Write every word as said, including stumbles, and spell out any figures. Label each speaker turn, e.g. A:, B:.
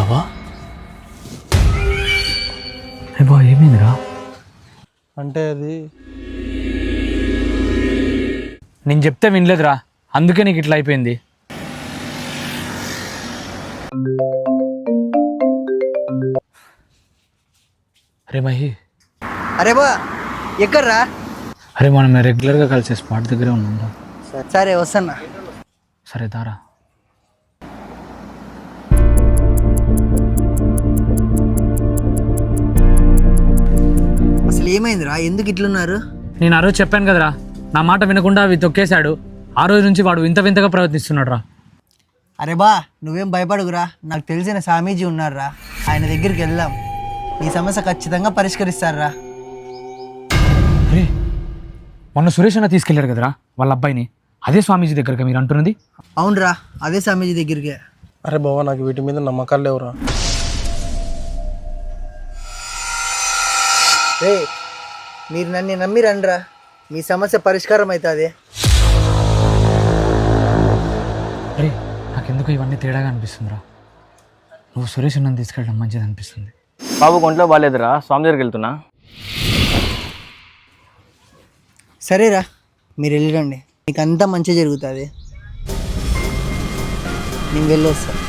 A: బాబా ఏ బా ఏమైందిరా?
B: అంటే అది
A: నేను చెప్తే వినలేదురా, అందుకే నీకు ఇట్లా అయిపోయింది. అరే మహి,
C: అరే బా ఎక్కడ్రా?
A: అరే మనం రెగ్యులర్గా కలిసే స్పాట్ దగ్గరే ఉన్నాం.
C: సరే వస్తున్నా.
A: సరే దారా.
C: అసలు ఏమైందిరా? ఎందుకు ఇట్లున్నారు?
A: నేను ఆ రోజు చెప్పాను కదరా, నా మాట వినకుండా అవి తొక్కేశాడు. ఆ రోజు నుంచి వాడు వింత వింతగా ప్రవర్తిస్తున్నాడు రా.
C: అరే బా నువ్వేం భయపడుగురా, నాకు తెలిసిన స్వామీజీ ఉన్నారా, ఆయన దగ్గరికి వెళ్దాం. నీ సమస్య ఖచ్చితంగా పరిష్కరిస్తారా.
A: అరే మొన్న సురేష్ అన్న తీసుకెళ్లారు కదరా వాళ్ళ అబ్బాయిని, అదే స్వామీజీ దగ్గరగా మీరు అంటున్నది?
C: అవునరా, అదే స్వామీజీ దగ్గరికి.
B: అరే బావా నాకు వీటి మీద నమ్మకాలు లేవురా.
C: రే మీరు నన్ను నమ్మి రండిరా, మీ సమస్య పరిష్కారం అవుతుంది.
A: అరే నాకెందుకు ఇవన్నీ తేడాగా అనిపిస్తుందిరా. నువ్వు సురేష్ అన్నని తీసుకెళ్ళడం మంచిది అనిపిస్తుంది.
D: బాబు ఒంట్లో బాగాలేదురా, స్వామి దగ్గరికి వెళ్తున్నా.
C: సరేరా మీరు వెళ్ళిరండి, మీకు అంతా మంచి జరుగుతుంది. నేను వెళ్ళొస్తా.